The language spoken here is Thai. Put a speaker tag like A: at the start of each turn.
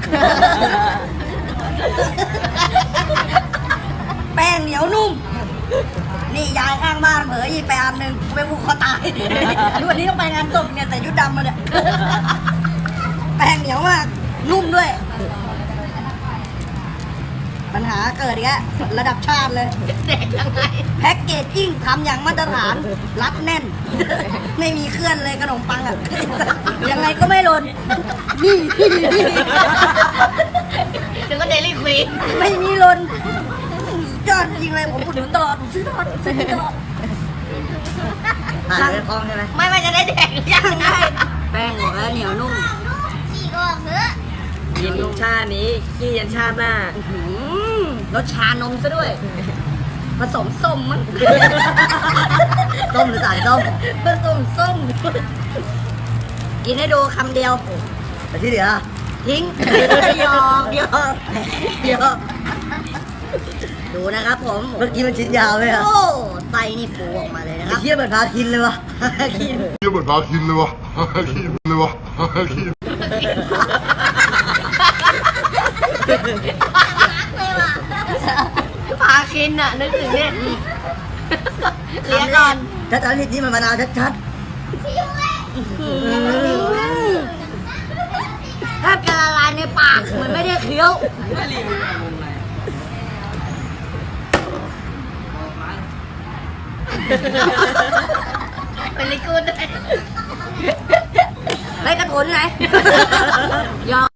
A: แป้งเหนียวนุ่มนี่ยายข้างบ้านเผลอหยิบไปอันหนึ่งไปผูกคอตายวันนี้ต้องไปงานศพเนี่ยแต่ชุดดำมาเนี่ยแป้งเหนียวมากนุ่มด้วยปัญหาเกิดอีกแล้วระดับชาติเลยแพ็กเกจจิ้งทำอย่างมาตรฐานรัดแน่นไม่มีเคลื่อนเลยขนมปังอ่ะยังไงก็ไม่หล่นนี่
B: ถึงก็เดลี่ควีน
A: ไม่มีหล่นยอดจริงเลยผมอุดหนุนตลอดผมซื้อตลอดสั่งคองใช่ไหม
B: ไม่จะได้แดกยังไง
A: แป้งบอกแล้วเหนียวนุ่ม
B: จีก็เนื้อ
C: กินชาตินี้กี้ยันชาติหน้าร
A: สชานมซะด้วยผสมส้มมั้งส้มหรือสารส้มผสมส้มกินให้ดูคำเดียวแต่ที่เหลือทิ้งยอกดูนะครับผมเมื่อกี้มันชิ้นยาวเลยอะโอ้ไตนี่ปูออกมาเลยนะครับเทียบเหมือนพาคินเลยวะคินเทียบเหมือนพาคินเลยวะคินเลยวะคิน
B: พาคินอ่ะนึกถึงเนี่ยเลี้ยงก่อน
A: ถ้าตอนนี้มันมะนาวชัดๆถ้าจะละลายในปากเหมือนไม่ได้เคี้ยว
B: เป็นลิกูดด้วย
A: ไม่กระโถนไหนยอม